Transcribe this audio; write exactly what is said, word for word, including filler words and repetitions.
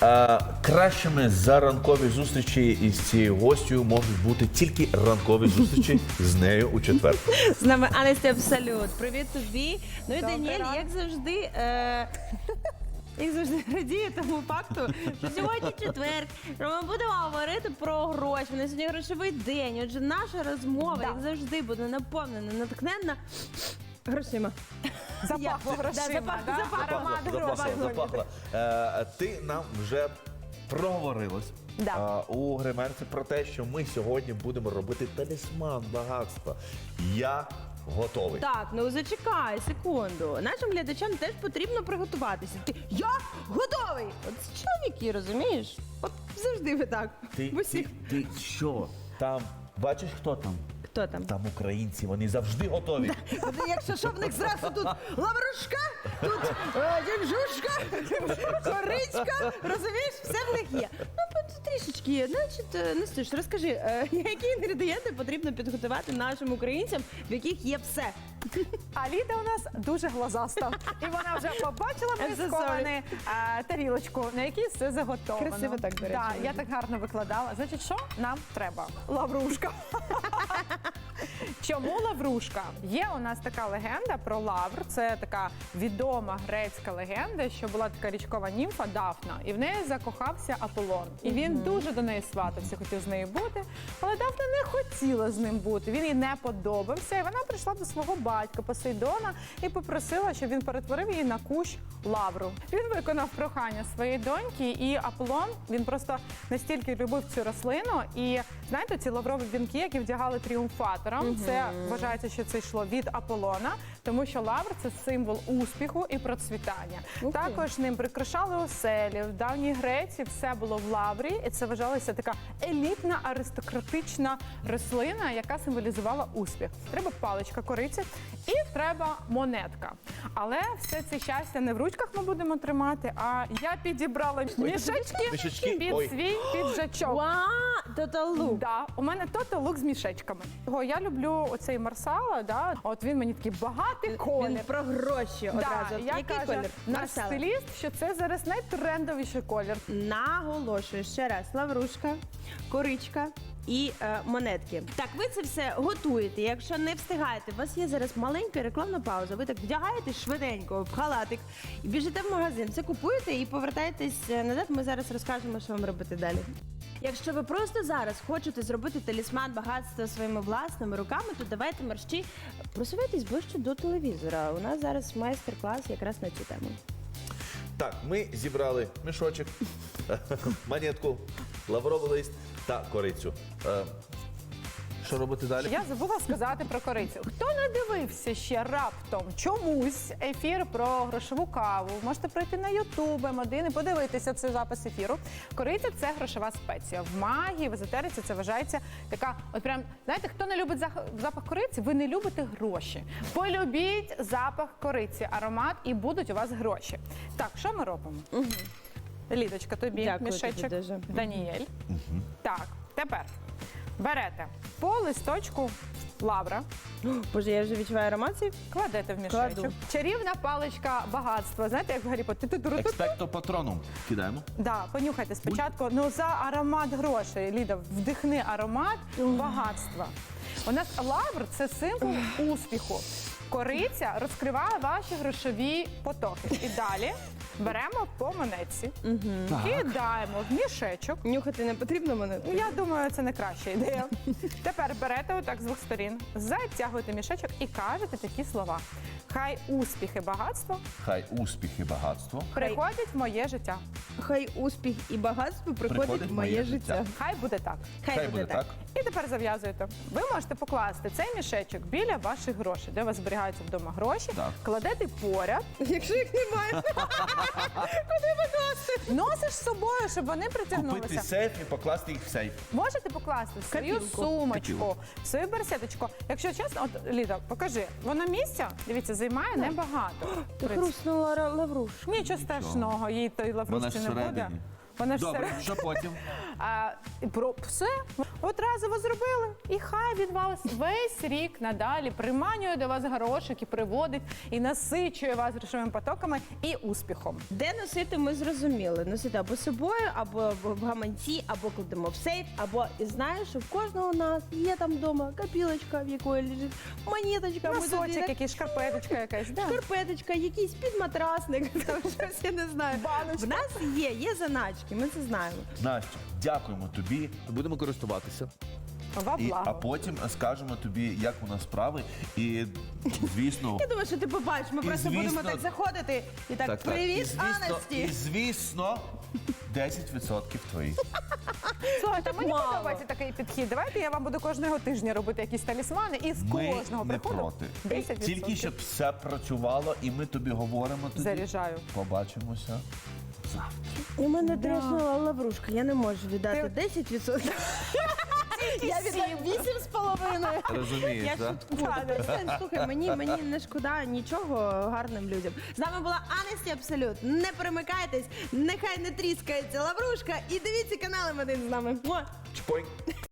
А, кращими за ранкові зустрічі із цією гостю можуть бути тільки ранкові зустрічі з нею у четвер. З нами Анесті Абсолют. Привіт тобі. Ну і Добрий Даніель, ранок. як завжди, е... як завжди радіє тому факту, що сьогодні четвер, що ми будемо говорити про гроші. У нас сьогодні грошовий день. Отже, наша розмова, Да. як завжди, буде наповнена, натхненна грошима. Запахло Я- грошима, Да, запах- да? запах- Аромат Запахло, грошей. запахло. Е, ти нам вже проговорилась Да. е, у гримерці про те, що ми сьогодні будемо робити талісман багатства. Я готовий. Так, ну зачекай секунду. Нашим глядачам теж потрібно приготуватися. Ти, я готовий! От це чоловіки, розумієш? От завжди ви так. Ти, В усіх. ти, ти що? Там, бачиш, хто там? Хто там? Там українці, вони завжди готові. Якщо що в них зразу тут лаврушка, тут е, дінжушка, коричка, розумієш, все в них є. Ну, от трішечки є. Значить, е, Настюш, розкажи, е, які інгредієнти потрібно підготувати нашим українцям, в яких є все? А Ліда у нас дуже глазаста. І вона вже побачила I'm so присковану тарілочку, на якій все заготовано. Красиво так, до речі, Да, я виглядає. так гарно викладала. Значить, що нам треба? Лаврушка. Чому лаврушка? Є у нас така легенда про лавр. Це така відома грецька легенда, що була така річкова німфа Дафна, і в неї закохався Аполлон. І він дуже до неї сватався, хотів з нею бути, але Дафна не хотіла з ним бути. Він їй не подобався, і вона прийшла до свого батька Посейдона і попросила, щоб він перетворив її на кущ лавру. Він виконав прохання своєї доньки, і Аполлон, він просто настільки любив цю рослину. І знаєте, ці лаврові вінки, які вдягали тріумфаторам, це вважається, що це йшло від Аполлона, тому що лавр – це символ успіху і процвітання. Ух ти. Також ним прикрашали оселі. В давній Греції все було в лаврі, і це вважалася така елітна аристократична рослина, яка символізувала успіх. Треба паличка кориці і треба монетка. Але все це щастя не в ручках ми будемо тримати, а я підібрала мішечки Мішечки? під Ой. свій піджачок. Ва, Total Look. Да, у мене тото лук з мішечками. Його я люблю оцей Марсала, да. От він мені такий багатий колір. Він про гроші одразу. Да, От я Який кажу, колір? наш Марсела. стиліст, що це зараз найтрендовіший колір. Наголошую ще раз: лаврушка, коричка і е, монетки. Так, ви це все готуєте. Якщо не встигаєте, у вас є зараз маленька рекламна пауза. Ви так вдягаєте швиденько в халатик і біжите в магазин. Це купуєте і повертаєтесь назад. Ми зараз розкажемо, що вам робити далі. Якщо ви просто зараз хочете зробити талісман багатства своїми власними руками, то давайте мерщі просувайтесь ближче до телевізора. У нас зараз майстер-клас якраз на цю тему. Так, ми зібрали мішочок, монетку, лавровий лист та корицю. Е, що робити далі? Я забула сказати про корицю. Хто не дивився ще раптом чомусь ефір про грошову каву, можете прийти на Ютуб, Ем один і подивитися цей запис ефіру. Кориця – це грошова спеція. В магії, в езотериці це вважається така, от прям, знаєте, хто не любить зах- запах кориці, ви не любите гроші. Полюбіть запах кориці, аромат, і будуть у вас гроші. Так, що ми робимо? Угу. Лідочка, тобі Дякую мішечок. тобі дуже. Даніель. Так, тепер берете по листочку лавра, Боже, я вже відчуваю аромат цей. кладете в мішечок. Кладу. Чарівна паличка багатства. Знаєте, як в Гаррі Поттері? Ту-ту-ру-ту-ту. Експекто патроном кидаємо. Да, понюхайте спочатку. Ну, за аромат грошей. Ліда, вдихни аромат багатства. У нас лавр – це символ успіху. Кориця розкриває ваші грошові потоки. І далі беремо по монетці, кидаємо в мішечок. Нюхати не потрібно мене? Ну, я думаю, це не краща ідея. Тепер берете отак з двох сторін, затягуєте мішечок і кажете такі слова. Хай успіх і багатство Хай успіх і багатство. приходять в моє життя. Хай успіх і багатство приходять Приходить в моє життя. Хай буде так. Хай, буде так. І тепер зав'язуєте. Ви можете покласти цей мішечок біля ваших грошей, де у вас зберігаються вдома гроші, Так. кладете поряд, Якщо їх немає. носиш з собою, щоб вони Купити притягнулися. сейф і покласти їх в сейф. Можете покласти в свою Копілку. сумочку, Копілку. в свою берсеточку. Якщо чесно, от Ліда, покажи, воно місця, дивіться, займає небагато. Ти хрустнула ра- лаврушка. Нічого страшного, їй той Вона лаврушці ж не буде. всередині. Вона ж Добре, все що потім? А, і про все от разово зробили, і хай він вас весь рік надалі приманює до вас горошок і приводить, і насичує вас грошовими потоками і успіхом. Де носити, ми зрозуміли. Носити або з собою, або в гаманці, або кладемо в сейф, або і знаєш, що в кожного у нас є там вдома копілочка, в якої лежить монеточка, ми туди Носочок, так- якийсь, шкарпеточка якась. Да. шкарпеточка, якийсь підматрасник, там щось я не знаю. Баночка. В нас є, є заначки, ми це знаємо. Настя, дякуємо тобі. Будемо користуватися. Во І, благо. а потім скажемо тобі, як у нас справи. І, звісно, Я думаю, що ти побачиш, ми І, просто будемо звісно- так заходити і так, так, так. привіт, І, звісно, Анасті. і, звісно, десять відсотків твої. Слухайте, мені мало. подобається такий підхід. Давайте я вам буду кожного тижня робити якісь талісмани, і з Ми кожного не приходу проти. десять відсотків. Тільки щоб все працювало, і ми тобі говоримо тоді. Заряджаю. Побачимося завтра. У мене тріснула лаврушка, я не можу віддати Ти- десять відсотків. Я віддам вісім з половиною. Розумієш, Я так? шуткую. Перестань, слухай, мені, мені не шкода нічого гарним людям. З нами була Анесті Абсолют. Не перемикайтесь, нехай не тріскається лаврушка і дивіться канал М один з нами. Муа! Чпонь.